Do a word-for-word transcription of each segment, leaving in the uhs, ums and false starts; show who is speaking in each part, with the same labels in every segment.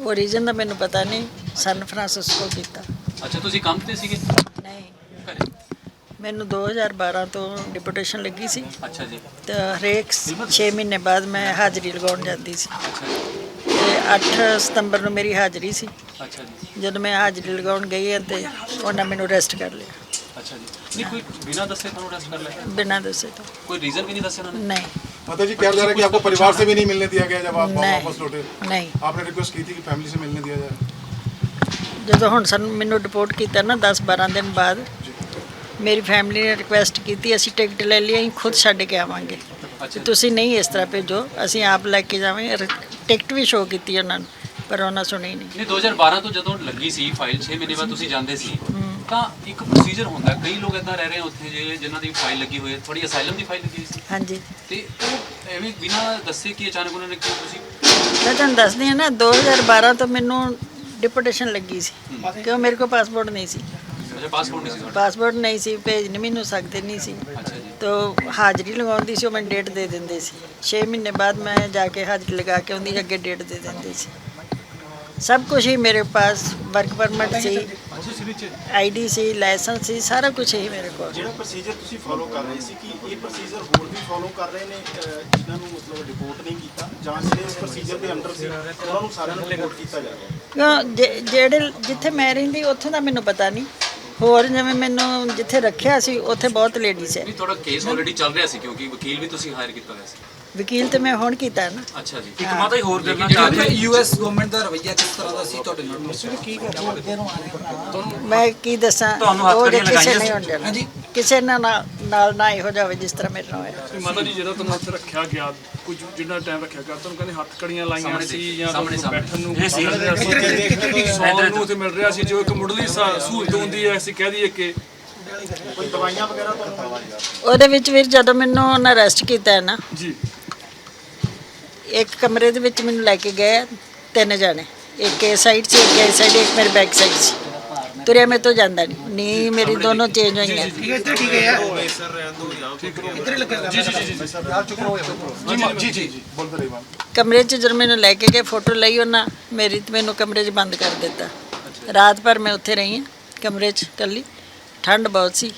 Speaker 1: Origin का मैनू पता नहीं, सन फ्रांसिस्को किया।
Speaker 2: अच्छा तुसी काम ते सीगे?
Speaker 1: नहीं,
Speaker 2: घरे?
Speaker 1: मैनू दो हज़ार बारह तो डिपुटेशन लगी सी।
Speaker 2: अच्छा जी।
Speaker 1: तो हरेक छे महीने बाद मैं हाज़री लगाउण जाती सी।
Speaker 2: अच्छा जी।
Speaker 1: ते अठ सितंबर नूं मेरी हाज़री सी।
Speaker 2: अच्छा जी।
Speaker 1: जब मैं हाज़री लगाउण गई है तो उन्होंने मैनू अरेस्ट कर लिया।
Speaker 2: अच्छा जी। नहीं कोई बिना दसे तुहानू अरेस्ट कर लिया?
Speaker 1: बिना दसे तो
Speaker 2: कोई रीजन भी नहीं दस्या उन्होंने?
Speaker 1: नहीं।
Speaker 3: माता जी क्या जा रहा है कि आपको परिवार से भी नहीं मिलने दिया गया जब आप
Speaker 1: नहीं।
Speaker 3: वापस लौटे?
Speaker 1: नहीं,
Speaker 3: आपने रिक्वेस्ट की थी कि फैमिली से मिलने दिया जाए?
Speaker 1: जो हुण सानू मैनू डिपोर्ट किया ना दस बारह दिन बाद, मेरी फैमिली ने रिक्वेस्ट की असीं टिकट ले ली, असीं खुद छड्ड के आवांगे,
Speaker 2: अच्छा
Speaker 1: तुसीं नहीं इस तरह भेजो, असीं आप लैके जावांगे। टिकट भी शो की उन्होंने, पर उन्होंने सुनी नहीं।
Speaker 2: नहीं दो हज़ार बारह तो ਜਦੋਂ ਲੱਗੀ ਸੀ ਫਾਈਲ छे ਮਹੀਨੇ ਬਾਅਦ ਤੁਸੀਂ ਜਾਂਦੇ ਸੀ ਤਾਂ ਇੱਕ ਪ੍ਰੋਸੀਜਰ ਹੁੰਦਾ, ਕਈ ਲੋਕ ਇਦਾਂ ਰਹਿ ਰਹੇ ਉੱਥੇ ਜੇ ਜਿਨ੍ਹਾਂ ਦੀ ਫਾਈਲ ਲੱਗੀ ਹੋਈ ਹੈ, ਥੋੜੀ ਅਸਾਈਲਮ ਦੀ ਫਾਈਲ ਲੱਗੀ ਸੀ
Speaker 1: हाँ जी,
Speaker 2: ਤੇ ਉਹ ਐਵੇਂ ਬਿਨਾਂ ਦੱਸੇ ਕਿ ਅਚਾਨਕ ਉਹਨਾਂ ਨੇ ਕਿਉਂ ਤੁਸੀਂ
Speaker 1: मैं तुहानू दसदी हाँ ना, दो हज़ार बारह तो मैनू डिपुटेशन लगी सी, क्यों मेरे को पासपोर्ट नहीं सी।
Speaker 2: ਅੱਛਾ ਪਾਸਪੋਰਟ ਨਹੀਂ ਸੀ ਤੁਹਾਡਾ?
Speaker 1: पासपोर्ट नहीं सी, भेज नहीं मैनू सकते नहीं सी।
Speaker 2: ਅੱਛਾ ਜੀ।
Speaker 1: तो हाज़री लगाउंदी सी, मैं डेट दे देंदे सी। छे महीने बाद मैं जाके हाज़री लगा के उनकी अगे डेट दे देंदे सी। सब कुछ ही मेरे पास, वर्क परमिट सी, आई डी सी, लाइसेंस सी, सारा कुछ ही मेरे को।
Speaker 4: ਜਿਹੜਾ ਪ੍ਰੋਸੀਜਰ ਤੁਸੀਂ ਫੋਲੋ ਕਰ ਰਹੇ ਸੀ ਕਿ ਇਹ ਪ੍ਰੋਸੀਜਰ ਹੋਰ ਵੀ ਫੋਲੋ ਕਰ ਰਹੇ ਨੇ ਅਹ, ਜਿਨ੍ਹਾਂ ਨੂੰ ਮਤਲਬ ਰਿਪੋਰਟ ਨਹੀਂ ਕੀਤਾ ਜਾਂ ਜਿਹੜੇ ਉਸ ਪ੍ਰੋਸੀਜਰ ਦੇ ਅੰਡਰ ਸੀ ਉਹਨਾਂ ਨੂੰ ਸਾਰਿਆਂ ਨੂੰ ਰਿਪੋਰਟ ਕੀਤਾ ਜਾ ਰਿਹਾ?
Speaker 1: ਕਿਉਂ ਜੇ- ਜਿਹੜੇ ਜਿੱਥੇ ਮੈਂ ਰਹਿੰਦੀ ਉੱਥੋਂ ਦਾ ਮੈਨੂੰ ਪਤਾ ਨਹੀਂ, ਹੋਰ ਜਿਵੇਂ ਮੈਨੂੰ ਜਿੱਥੇ ਰੱਖਿਆ ਸੀ ਉੱਥੇ ਬਹੁਤ ਲੇਡੀਜ਼ ਹੈ।
Speaker 2: ਨਹੀਂ ਤੁਹਾਡਾ ਕੇਸ ਆਲਰੇਡੀ ਚੱਲ ਰਿਹਾ ਸੀ ਕਿਉਂਕਿ ਵਕੀਲ ਵੀ ਤੁਸੀਂ ਹਾਇਰ ਕੀਤਾ ਹੋਇਆ ਸੀ।
Speaker 1: ਵਕੀਲ ਤੇ ਮੈਂ ਹੁਣ ਕੀਤਾ ਨਾ।
Speaker 2: ਅੱਛਾ ਜੀ।
Speaker 5: ਇੱਕ ਮਾਤਾ ਹੀ ਹੋਰ ਕਰਨਾ ਚਾਹ ਰਹੀ ਯੂਐਸ ਗਵਰਨਮੈਂਟ ਦਾ ਰਵੱਈਆ ਕਿਸ ਤਰ੍ਹਾਂ ਦਾ ਸੀ ਤੁਹਾਡੇ ਨਾਲ?
Speaker 1: ਮੈਂ ਕੀ ਦੱਸਾਂ,
Speaker 5: ਤੁਹਾਨੂੰ ਹੱਥ
Speaker 1: ਉਹ ਜੇ
Speaker 5: ਕੜੀਆਂ
Speaker 1: ਕਿਸੇ
Speaker 5: ਲਗਾਈਆਂ
Speaker 1: ਨਹੀਂ
Speaker 5: ਸੀ?
Speaker 1: ਹੋਣ
Speaker 5: ਹਾਂਜੀ।
Speaker 1: ਦੇਣਾ, ਕਿਸੇ ਨਾਲ ਨਾ- ਨਾਲ ਨਾ ਇਹੋ ਜਾਵੇ ਜਿਸ ਤਰ੍ਹਾਂ ਮੇਰੇ ਨਾਲ ਹੋਇਆ।
Speaker 6: ਮਾਤਾ ਜੀ ਜਦੋਂ ਤੁਹਾਨੂੰ ਉੱਥੇ ਰੱਖਿਆ ਗਿਆ, ਕੁਝ ਜਿੰਨਾ ਟਾਈਮ ਰੱਖਿਆ ਗਿਆ, ਤੁਹਾਨੂੰ ਕਹਿੰਦੇ ਹੱਥ ਕੜੀਆਂ ਲਾਈਆਂ
Speaker 2: ਸਾਹਮਣੇ
Speaker 6: ਸੀ ਜਾਂ
Speaker 2: ਸਾਹਮਣੇ
Speaker 6: ਤੁਹਾਨੂੰ ਬੈਠਣ ਨੂੰ
Speaker 5: ਇਹ ਸੀ।
Speaker 6: ਸੌਣ ਨੂੰ ਉੱਥੇ ਮਿਲ ਰਿਹਾ ਸੀ, ਜੋ ਇੱਕ ਮੁੱਢਲੀ ਸਾ- ਸਹੂਲਤ ਹੁੰਦੀ ਹੈ, ਅਸੀਂ ਕਹਿ ਦਈਏ ਕਿ
Speaker 4: ਕੋਈ ਦਵਾਈਆਂ ਵਗੈਰਾ ਤੁਹਾਨੂੰ?
Speaker 1: ਉਹਦੇ ਵਿੱਚ ਵੀਰ ਜਦੋਂ ਮੈਨੂੰ ਉਹਨਾਂ ਅਰੈਸਟ ਕੀਤਾ ਹੈ ਨਾ,
Speaker 6: ਜੀ
Speaker 1: ਇੱਕ ਕਮਰੇ ਦੇ ਵਿੱਚ ਮੈਨੂੰ ਲੈ ਕੇ ਗਏ ਤਿੰਨ ਜਣੇ, ਇੱਕ ਇਸ ਸਾਈਡ ਸੀ, ਇੱਕ ਇਸ ਸਾਈਡ, ਇੱਕ ਮੇਰੇ ਬੈਕ ਸਾਈਡ ਸੀ। ਤੁਰਿਆ ਮੇਰੇ ਤੋਂ ਜਾਂਦਾ ਨਹੀਂ, ਨੀ ਮੇਰੀ ਦੋਨੋਂ ਚੇਂਜ ਹੋਈਆਂ।
Speaker 3: जी जी जी बोलते रहिए मैम।
Speaker 1: ਕਮਰੇ 'ਚ ਜਦੋਂ ਮੈਨੂੰ ਲੈ ਕੇ ਗਏ, ਫੋਟੋ ਲਈ ਉਹਨਾਂ ਮੇਰੀ, ਤੇ ਮੈਨੂੰ ਕਮਰੇ 'ਚ ਬੰਦ ਕਰ ਦਿੱਤਾ। ਰਾਤ ਭਰ ਮੈਂ ਉੱਥੇ ਰਹੀ ਹਾਂ ਕਮਰੇ 'ਚ ਇਕੱਲੀ। ਠੰਡ ਬਹੁਤ ਸੀ,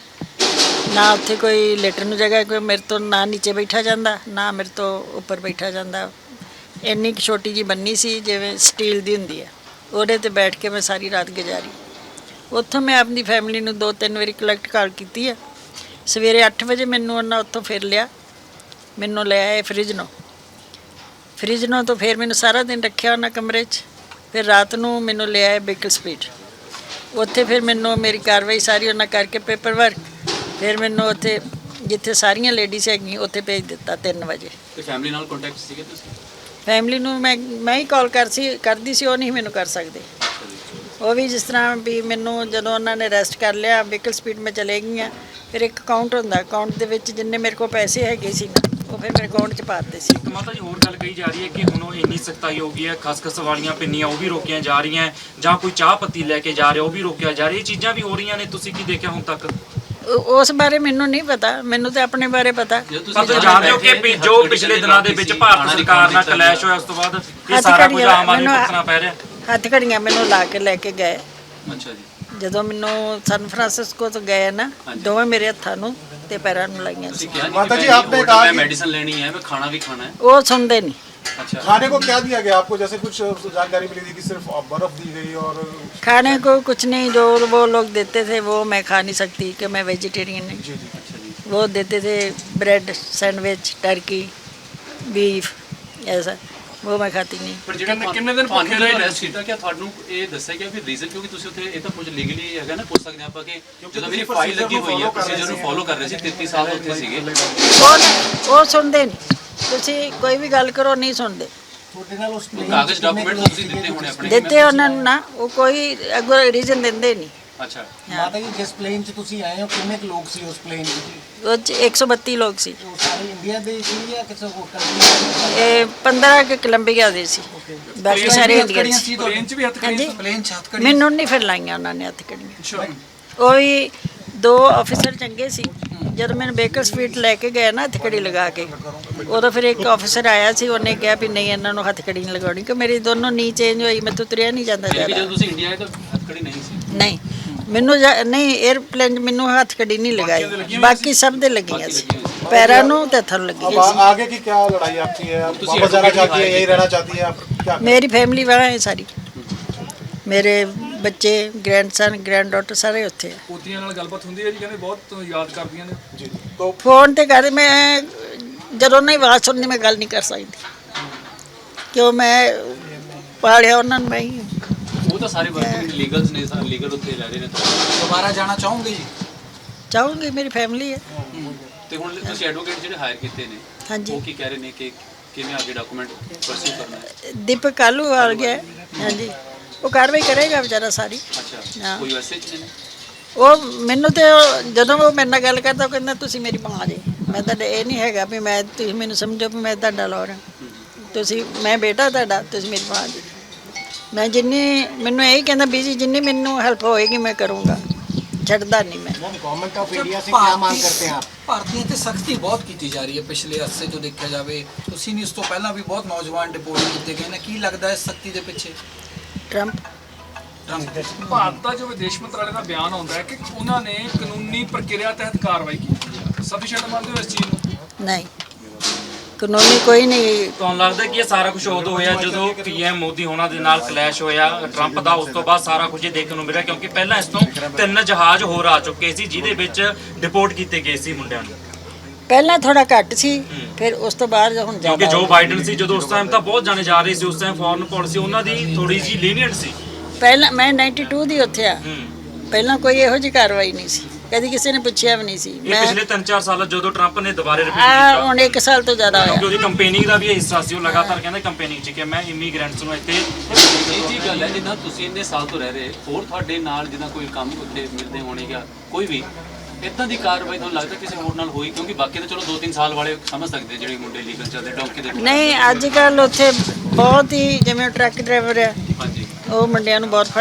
Speaker 1: ਨਾ ਉੱਥੇ ਕੋਈ ਲੇਟਣ ਨੂੰ ਜਗ੍ਹਾ, ਕੋਈ ਮੇਰੇ ਤੋਂ ਨਾ ਨੀਚੇ ਬੈਠਾ ਜਾਂਦਾ, ਨਾ ਮੇਰੇ ਤੋਂ ਉੱਪਰ ਬੈਠਾ ਜਾਂਦਾ। ਇੰਨੀ ਕੁ ਛੋਟੀ ਜਿਹੀ ਬੰਨੀ ਸੀ ਜਿਵੇਂ ਸਟੀਲ ਦੀ ਹੁੰਦੀ ਹੈ, ਉਹਦੇ 'ਤੇ ਬੈਠ ਕੇ ਮੈਂ ਸਾਰੀ ਰਾਤ ਗੁਜ਼ਾਰੀ। ਉੱਥੋਂ ਮੈਂ ਆਪਣੀ ਫੈਮਿਲੀ ਨੂੰ ਦੋ ਤਿੰਨ ਵਾਰੀ ਕਲੈਕਟ ਕਾਲ ਕੀਤੀ ਹੈ। ਸਵੇਰੇ ਅੱਠ ਵਜੇ ਮੈਨੂੰ ਉਹਨਾਂ ਉੱਥੋਂ ਫਿਰ ਲਿਆ, ਮੈਨੂੰ ਲੈ ਆਏ ਫਰਿੱਜ ਨੂੰ। ਫਰਿੱਜ ਨੂੰ ਤੋਂ ਫਿਰ ਮੈਨੂੰ ਸਾਰਾ ਦਿਨ ਰੱਖਿਆ ਉਹਨਾਂ ਕਮਰੇ 'ਚ। ਫਿਰ ਰਾਤ ਨੂੰ ਮੈਨੂੰ ਲੈ ਆਏ ਬੇਕਲ ਸਪੀਡ, ਉੱਥੇ ਫਿਰ ਮੈਨੂੰ ਮੇਰੀ ਕਾਰਵਾਈ ਸਾਰੀ ਉਹਨਾਂ ਕਰਕੇ ਪੇਪਰ ਵਰਕ, ਫਿਰ ਮੈਨੂੰ ਉੱਥੇ ਜਿੱਥੇ ਸਾਰੀਆਂ ਲੇਡੀਜ਼ ਹੈਗੀਆਂ ਉੱਥੇ ਭੇਜ ਦਿੱਤਾ ਤਿੰਨ ਵਜੇ।
Speaker 2: ਤੇ ਫੈਮਿਲੀ ਨਾਲ ਕੰਟੈਕਟ ਸੀਗੇ ਤੁਸੀਂ?
Speaker 1: ਫੈਮਿਲੀ ਨੂੰ ਮੈਂ ਮੈਂ ਹੀ ਕਾਲ ਕਰ ਸੀ ਕਰਦੀ ਸੀ, ਉਹ ਨਹੀਂ ਮੈਨੂੰ ਕਰ ਸਕਦੇ। ਉਹ ਵੀ ਜਿਸ ਤਰ੍ਹਾਂ ਵੀ ਮੈਨੂੰ ਜਦੋਂ ਉਹਨਾਂ ਨੇ ਅਰੈਸਟ ਕਰ ਲਿਆ, ਵਹੀਕਲ ਸਪੀਡ ਮੈਂ ਚਲੇ ਗਈਆਂ, ਫਿਰ ਇੱਕ ਅਕਾਊਂਟ ਹੁੰਦਾ, ਅਕਾਊਂਟ ਦੇ ਵਿੱਚ ਜਿੰਨੇ ਮੇਰੇ ਕੋਲ ਪੈਸੇ ਹੈਗੇ ਸੀ ਨਾ, ਉਹ ਫਿਰ ਮੇਰੇ ਅਕਾਊਂਟ 'ਚ ਪਾ ਦਿੱਤੇ ਸੀ।
Speaker 5: ਇੱਕ ਮਾਤਾ ਜੀ ਹੋਰ ਗੱਲ ਕਹੀ ਜਾ ਰਹੀ ਹੈ ਕਿ ਹੁਣ ਉਹ ਇੰਨੀ ਸਖਤਾਈ ਹੋ ਗਈ ਹੈ, ਖਸਖਸ ਵਾਲੀਆਂ ਪਿੰਨੀਆਂ ਉਹ ਵੀ ਰੋਕੀਆਂ ਜਾ ਰਹੀਆਂ, ਜਾਂ ਕੋਈ ਚਾਹ ਪੱਤੀ ਲੈ ਕੇ ਜਾ ਰਿਹਾ ਉਹ ਵੀ ਰੋਕਿਆ ਜਾ ਰਿਹਾ। ਇਹ ਚੀਜ਼ਾਂ ਵੀ ਹੋ ਰਹੀਆਂ ਨੇ, ਤੁਸੀਂ ਕੀ ਦੇਖਿਆ ਹੁਣ ਤੱਕ?
Speaker 1: ਉਹ- ਉਸ ਬਾਰੇ ਮੈਨੂੰ ਨਹੀਂ ਪਤਾ, ਮੈਨੂੰ ਤਾਂ ਆਪਣੇ ਬਾਰੇ ਪਤਾ।
Speaker 2: ਜਦੋਂ
Speaker 5: ਪਰ ਤੁਸੀਂ
Speaker 2: ਜਦੋਂ
Speaker 5: ਜਾਣਦੇ ਹੋ
Speaker 2: ਬੈਠੇ,
Speaker 5: ਕਿ ਜੋ ਪਿਛਲੇ ਦਿਨਾਂ ਦੇ ਵਿੱਚ ਭਾਰਤ ਸਰਕਾਰ ਨਾਲ ਕਲੈਸ਼ ਹੋਇਆ, ਉਸ ਤੋਂ ਬਾਅਦ ਇਹ
Speaker 1: ਹੱਥ
Speaker 5: ਸਾਰਾ ਕੁਝ
Speaker 1: ਘੜੀਆਂ
Speaker 5: ਆਮ ਆਦਮੀ
Speaker 1: ਮੈਨੂੰ-
Speaker 5: ਭੁਗਤਣਾ ਪੈ ਰਿਹਾ।
Speaker 1: ਹੱਥ ਘੜੀਆਂ ਮੈਨੂੰ ਲਾ ਕੇ ਲੈ ਕੇ ਗਏ।
Speaker 2: ਅੱਛਾ ਜੀ।
Speaker 1: ਜਦੋਂ ਮੈਨੂੰ ਸਨ ਫਰਾਂਸਿਸਕੋ ਤੋਂ ਗਏ ਨਾ, ਦੋਵੇਂ ਮੇਰੇ ਹੱਥਾਂ ਨੂੰ ਤੇ ਪੈਰਾਂ ਨੂੰ ਲਾਈਆਂ ਸੀ।
Speaker 2: ਤੁਸੀਂ ਕਿਹਾ ਨਹੀਂ
Speaker 3: माता
Speaker 2: कि
Speaker 3: जी,
Speaker 2: मैं
Speaker 3: आपने
Speaker 2: होटल
Speaker 3: कहा
Speaker 2: में
Speaker 3: कि-
Speaker 2: मेडिसिन लेनी है, मैं खाना भी खाना है।
Speaker 1: ਉਹ ਸੁਣਦੇ ਨਹੀਂ।
Speaker 2: अच्छा
Speaker 3: खाने को क्या दिया गया आपको? जैसे कुछ जानकारी मिली थी कि सिर्फ बर्फ दी गई और
Speaker 1: खाने को कुछ नहीं, जो वो लोग देते थे वो मैं खा नहीं सकती कि मैं वेजिटेरियन हूँ।
Speaker 3: जी जी
Speaker 2: अच्छा जी।
Speaker 1: वो देते थे ब्रेड, सैंडविच, टर्की, बीफ, ऐसा वो मैं खाती नहीं।
Speaker 2: ਪਰ ਜਿਹੜਾ
Speaker 6: ਕਿੰਨੇ- ਕਿੰਨੇ ਦਿਨ
Speaker 2: ਤੁਹਾਨੂੰ
Speaker 6: ਭੁੱਖੇ ਰਹੇ?
Speaker 2: ਅਰੈਸਟ ਕੀਤਾ, ਕਿ ਤੁਹਾਨੂੰ ਇਹ ਦੱਸਿਆ ਗਿਆ ਫਿਰ ਰੀਜ਼ਨ? ਕਿਉਂਕਿ ਤੁਸੀਂ ਉੱਥੇ ਇਹ ਤਾਂ ਕੁਝ ਲੀਗਲੀ ਹੈਗਾ ਨਾ, ਪੁੱਛ ਸਕਦੇ ਆਪਾਂ ਕਿ ਜਦੋਂ ਮੇਰੀ ਫਾਈਲ ਲੱਗੀ ਹੋਈ ਹੈ, ਪ੍ਰੋਸੀਜਰ ਨੂੰ ਫੋਲੋ ਕਰ ਰਹੇ ਸੀ, ਤੇਤੀ ਸਾਲ ਉੱਥੇ ਸੀਗੇ।
Speaker 1: ਉਹ ਨਾ- ਉਹ ਸੁਣਦੇ ਨਹੀਂ, ਤੁਸੀਂ ਕੋਈ ਵੀ ਗੱਲ ਕਰੋ ਨਹੀਂ ਸੁਣਦੇ।
Speaker 2: ਕਾਗਜ਼ ਡਾਕੂਮੈਂਟ ਤੁਸੀਂ ਦਿੱਤੇ ਹੋਣੇ ਆਪਣੇ?
Speaker 1: ਦਿੱਤੇ ਉਹਨਾਂ ਨੂੰ ਨਾ, ਉਹ ਕੋਈ ਅੱਗੋਂ ਰੀਜ਼ਨ ਦਿੰਦੇ ਨਹੀਂ।
Speaker 2: ਅੱਛਾ।
Speaker 7: ਮਾਤਾ ਜੀ ਜਿਸ ਪਲੇਨ 'ਚ ਤੁਸੀਂ ਆਏ ਹੋ ਕਿੰਨੇ ਕੁ ਲੋਕ ਸੀ ਉਸ ਪਲੇਨ 'ਚ ਜੀ?
Speaker 1: ਉਹ 'ਚ ਇੱਕ ਸੌ ਬੱਤੀ ਲੋਕ ਸੀ।
Speaker 7: ਉਹ ਸਾਰੇ ਇੰਡੀਆ ਦੇ ਸੀ ਜਾਂ ਕਿਸੇ ਹੋਰ ਕੰਟਰੀ ਦੇ?
Speaker 1: ਇਹ ਪੰਦਰਾਂ ਕੇ ਕੋਲੰਬੀਆ ਦੇ ਸੀ, ਬਾਕੀ ਸਾਰੇ ਇੰਡੀਅਨ ਸੀ।
Speaker 6: ਪਲੇਨ 'ਚ ਵੀ ਹੱਥ
Speaker 1: ਹਾਂਜੀ,
Speaker 6: ਕੜੀਆਂ?
Speaker 7: ਪਲੇਨ 'ਚ ਹੱਥ ਕੜੀ
Speaker 1: ਮੈਨੂੰ ਨਹੀਂ ਫਿਰ ਲਾਈਆਂ ਉਹਨਾਂ ਨੇ ਹੱਥ ਕੜੀਆਂ।
Speaker 6: ਅੱਛਾ।
Speaker 1: ਉਹ ਵੀ ਦੋ ਆਫੀਸਰ ਚੰਗੇ ਸੀ, ਜਦੋਂ ਮੈਨੂੰ ਬੇਕਰ ਸਟਰੀਟ ਲੈ ਕੇ ਗਏ ਨਾ ਹੱਥਕੜੀ ਲਗਾ ਕੇ, ਉਦੋਂ ਫਿਰ ਇੱਕ ਆਫੀਸਰ ਆਇਆ ਸੀ, ਉਹਨੇ ਕਿਹਾ ਵੀ ਨਹੀਂ ਇਹਨਾਂ ਨੂੰ ਹੱਥਕੜੀ ਨਹੀਂ ਲਗਾਉਣੀ ਕਿ ਮੇਰੀ ਦੋਨੋਂ ਨੀ ਚੇਂਜ ਹੋਈ, ਮੈਥੋਂ ਤੁਰਿਆ ਨਹੀਂ ਜਾਂਦਾ
Speaker 2: ਫਿਰ ਵੀ
Speaker 1: ਜ਼ਿਆਦਾ।
Speaker 2: ਜਦੋਂ ਤੁਸੀਂ ਇੰਡੀਆ ਆਏ ਤਾਂ ਹੱਥਕੜੀ ਨਹੀਂ ਸੀ।
Speaker 1: ਨਹੀਂ ਮੈਨੂੰ ਜਾ- ਨਹੀਂ 에ਅਰਪਲੇਨ ਮੈਨੂੰ ਹੱਥਕੜੀ ਨਹੀਂ ਲਗਾਈ, ਬਾਕੀ ਸਭ ਦੇ ਲੱਗੀਆਂ ਸੀ, ਪੈਰਾਂ ਨੂੰ ਤੇ ਹੱਥਾਂ ਨੂੰ
Speaker 3: अब
Speaker 1: ਲੱਗੀਆਂ
Speaker 3: आ- आगे की क्या लड़ाई आपकी है? आप
Speaker 2: तुसी
Speaker 3: वापस जाना
Speaker 2: advocate
Speaker 3: चाहती है,
Speaker 2: हायर
Speaker 3: यही रहना चाहती है आप? क्या
Speaker 1: ਸੀ। ਮੇਰੀ ਫੈਮਿਲੀ ਵਾਲਾ ਹੈ ਸਾਰੀ, ਮੇਰੇ ਬੱਚੇ, ਗ੍ਰੈਂਡਸਨ, ਗ੍ਰੈਂਡ ਸਾਰੇ ਉੱਥੇ ਆ।
Speaker 6: ਪੋਤੀਆਂ ਨਾਲ ਗੱਲਬਾਤ ਹੁੰਦੀ ਹੈ ਜੀ, ਕਹਿੰਦੇ ਬਹੁਤ ਯਾਦ ਕਰਦੀਆਂ ਨੇ।
Speaker 3: जी तो
Speaker 1: ਫੋਨ ਤੇ ਕਰ, ਮੈਂ ਜਦੋਂ ਨਹੀਂ ਆਵਾਜ਼ ਸੁਣਦੀ ਮੈਂ ਗੱਲ ਨਹੀਂ ਕਰ ਸਕਦੀ, ਕਿਉਂ ਮੈਂ ਪਾਲਿਆ ਉਹਨਾਂ ਨੂੰ, ਮੈਂ ਹੀ ਹਾਂ।
Speaker 2: ਉਹ ਤਾਂ ਸਾਰੇ ਵਰਕਿੰਗ ਲੀਗਲਸ ਨੇ, ਸਾਰੇ ਲੀਗਲ ਉੱਥੇ ਰਹਿ ਰਹੇ ਨੇ।
Speaker 7: ਦੁਬਾਰਾ ਜਾਣਾ ਚਾਹੋਗੇ ਜੀ?
Speaker 1: ਚਾਹੂੰਗੀ, ਮੇਰੀ ਫੈਮਿਲੀ ਹੈ।
Speaker 2: ਤੇ ਹੁਣ ਤੁਸੀਂ ਐਡਵੋਕੇਟ ਜਿਹੜੇ ਹਾਇਰ ਕੀਤੇ ਨੇ,
Speaker 1: ਹਾਂਜੀ।
Speaker 2: ਉਹ ਕੀ ਕਹਿ ਰਹੇ ਨੇ ਕਿ ਕਿਵੇਂ ਅੱਗੇ ਡਾਕੂਮੈਂਟ ਪਰਸਿਊ ਕਰਨਾ ਹੈ?
Speaker 1: ਦੀਪਕ ਕਾਲੂ ਆ ਗਿਆ ਹੈ। ਹਾਂਜੀ, ਉਹ ਕਾਰਵਾਈ ਕਰੇਗਾ ਵਿਚਾਰਾ ਸਾਰੀ।
Speaker 2: ਅੱਛਾ,
Speaker 1: ਹਾਂ।
Speaker 2: ਕੋਈ ਮੈਸੇਜ ਨੇ?
Speaker 1: ਉਹ ਮੈਨੂੰ ਤੇ ਉਹ- ਜਦੋਂ ਉਹ ਮੇਰੇ ਨਾਲ ਗੱਲ ਕਰਦਾ ਉਹ ਕਹਿੰਦਾ ਤੁਸੀਂ ਮੇਰੀ ਮਾਂ ਜੇ। ਮੈਂ ਤਾਂ ਇਹ ਨਹੀਂ ਹੈਗਾ ਵੀ ਮੈਂ, ਤੁਸੀਂ ਮੈਨੂੰ ਸਮਝੋ ਵੀ ਮੈਂ ਤੁਹਾਡਾ ਲੋਰ ਹਾਂ, ਤੁਸੀਂ, ਮੈਂ ਬੇਟਾ ਤੁਹਾਡਾ, ਤੁਸੀਂ ਮੇਰੀ ਮਾਂ ਜੀ। ਮੈਂ ਜਿੰਨੀ, ਮੈਨੂੰ ਇਹੀ ਕਹਿੰਦਾ ਬੀਜੀ ਜਿੰਨੀ ਮੈਨੂੰ ਹੈਲਪ ਹੋਏਗੀ ਮੈਂ ਕਰੂੰਗਾ, ਛੱਡਦਾ ਨਹੀਂ ਮੈਂ।
Speaker 7: ਗਵਰਨमेंट ऑफ इंडिया से क्या मांग करते हैं आप? ਭਾਰਤੀਆਂ ਤੇ ਸਖਤੀ ਬਹੁਤ ਕੀਤੀ ਜਾ ਰਹੀ ਹੈ ਪਿਛਲੇ ਅਰਸੇ ਤੋਂ ਦੇਖਿਆ ਜਾਵੇ, ਤੁਸੀਂ ਨਹੀਂ, ਉਸ ਤੋਂ ਪਹਿਲਾਂ ਵੀ ਬਹੁਤ ਨੌਜਵਾਨ ਡਿਪੋਰਟ ਕੀਤੇ ਗਏ ਨੇ, ਕੀ ਲੱਗਦਾ ਹੈ ਸਖਤੀ ਦੇ ਪਿੱਛੇ?
Speaker 1: ਟਰੰਪ
Speaker 6: ਭਾਰਤ ਦਾ ਜੋ ਵਿਦੇਸ਼ ਮੰਤਰਾਲੇ ਦਾ ਬਿਆਨ ਆਉਂਦਾ ਹੈ ਕਿ ਉਹਨਾਂ ਨੇ ਕਾਨੂੰਨੀ ਪ੍ਰਕਿਰਿਆ ਤਹਿਤ ਕਾਰਵਾਈ ਕੀਤੀ ਹੈ, ਸਫੀਸ਼ੀਐਂਟ ਮੰਨਦੇ ਹੋ ਇਸ ਚੀਜ਼ ਨੂੰ?
Speaker 1: ਨਹੀਂ, ਕਾਨੂੰਨੀ ਕੋਈ ਨਹੀਂ।
Speaker 5: ਤੁਹਾਨੂੰ ਲੱਗਦਾ ਕਿ ਇਹ ਸਾਰਾ ਕੁਝ ਉਦੋਂ ਹੋਇਆ ਜਦੋਂ ਪੀਐਮ ਮੋਦੀ ਹੋਣਾ ਦੇ ਨਾਲ ਕਲੈਸ਼ ਹੋਇਆ ਟਰੰਪ ਦਾ, ਉਸ ਤੋਂ ਬਾਅਦ ਸਾਰਾ ਕੁਝ ਇਹ ਦੇਖਣ ਨੂੰ ਮਿਲਿਆ, ਕਿਉਂਕਿ ਪਹਿਲਾਂ ਇਸ ਤੋਂ ਤਿੰਨ ਜਹਾਜ਼ ਹੋਰ ਆ ਚੁੱਕੇ ਸੀ ਜਿਹਦੇ ਵਿੱਚ ਡਿਪੋਰਟ ਕੀਤੇ ਗਏ ਸੀ ਮੁੰਡਿਆਂ ਨੂੰ,
Speaker 1: ਪਹਿਲਾਂ ਥੋੜਾ ਘੱਟ ਸੀ, ਫਿਰ ਉਸ ਤੋਂ ਬਾਅਦ ਹੁਣ
Speaker 5: ਕਿਉਂਕਿ
Speaker 1: ਜ਼ਿਆਦਾ
Speaker 5: ਜੋ ਬਾਈਡਨ ਸੀ ਜਦੋਂ ਉਸ ਟਾਈਮ ਤਾਂ ਬਹੁਤ ਜਾਣੇ ਜਾ ਰਹੇ ਸੀ, ਉਸ ਟਾਈਮ ਫੋਰਨ ਪਾਲਿਸੀ ਉਹਨਾਂ ਦੀ ਥੋੜੀ ਜਿਹੀ ਲੀਨੀਅੰਟ ਸੀ।
Speaker 1: ਪਹਿਲਾਂ ਮੈਂ ਬਾਨਵੇਂ ਦੀ ਉੱਥੇ ਆ,
Speaker 5: ਹੂੰ।
Speaker 1: ਪਹਿਲਾਂ ਕੋਈ ਇਹੋ ਜਿਹੀ ਕਾਰਵਾਈ ਨਹੀਂ ਸੀ, ਕਦੀ ਕਿਸੇ ਨੇ ਪੁੱਛਿਆ ਵੀ ਨਹੀਂ ਸੀ।
Speaker 5: ਇਹ
Speaker 1: ਮੈਂ
Speaker 5: ਪਿਛਲੇ ਤਿੰਨ ਚਾਰ ਸਾਲਾਂ ਜਦੋਂ ਟਰੰਪ ਨੇ ਦੁਬਾਰੇ ਰਿਪੀਟ
Speaker 1: ਆ
Speaker 5: ਕੀਤਾ,
Speaker 1: ਹੁਣ ਇੱਕ ਸਾਲ ਤੋਂ ਜ਼ਿਆਦਾ
Speaker 5: ਕਿਉਂਕਿ
Speaker 1: ਹੋਇਆ।
Speaker 5: ਉਹਦੀ ਕੰਪੇਨਿੰਗ ਦਾ ਵੀ ਇਹ ਹਿੱਸਾ ਸੀ, ਉਹ ਲਗਾਤਾਰ ਕਹਿੰਦਾ ਕੰਪੇਨਿੰਗ 'ਚ ਕਿ ਮੈਂ ਇਮੀਗ੍ਰੈਂਟਸ ਨੂੰ ਇੱਥੇ
Speaker 2: ਇਹ ਜੀ ਗੱਲ ਹੈ, ਜਿੱਦਾਂ ਤੁਸੀਂ ਇੰਨੇ ਸਾਲ ਤੋਂ ਰਹਿ ਰਹੇ, ਹੋਰ ਤੁਹਾਡੇ ਨਾਲ ਜਿੱਦਾਂ ਕੋਈ ਕੰਮ ਉੱਥੇ ਮਿਲਦੇ ਹੋਣੇ ਜਾਂ ਕੋਈ ਵੀ ਇਦਾਂ ਦੀ ਕਾਰਵਾਈ ਤੁਹਾਨੂੰ ਲੱਗਦਾ ਕਿਸੇ ਹੋਰ ਨਾਲ ਹੋਈ? ਕਿਉਂਕਿ ਬਾਕੀ ਤਾਂ ਚਲੋ ਦੋ ਤਿੰਨ ਸਾਲ ਵਾਲੇ ਸਮਝ ਸਕਦੇ ਜਿਹੜੇ ਮੁੰਡੇ ਲੀਗਲ ਚੱਲਦੇ ਡੌਂਕੀ ਦੇ।
Speaker 1: ਨਹੀਂ, ਅੱਜ ਕੱਲ ਉੱਥੇ ਬਹੁਤ ਹੀ, ਜਿਵੇਂ ਟਰੱਕ ਡਰਾਈਵਰ ਆ,
Speaker 2: ਹਾਂਜੀ।
Speaker 1: ਉਹ ਮੁੰਡਿਆਂ ਨੂੰ ਬਹੁਤ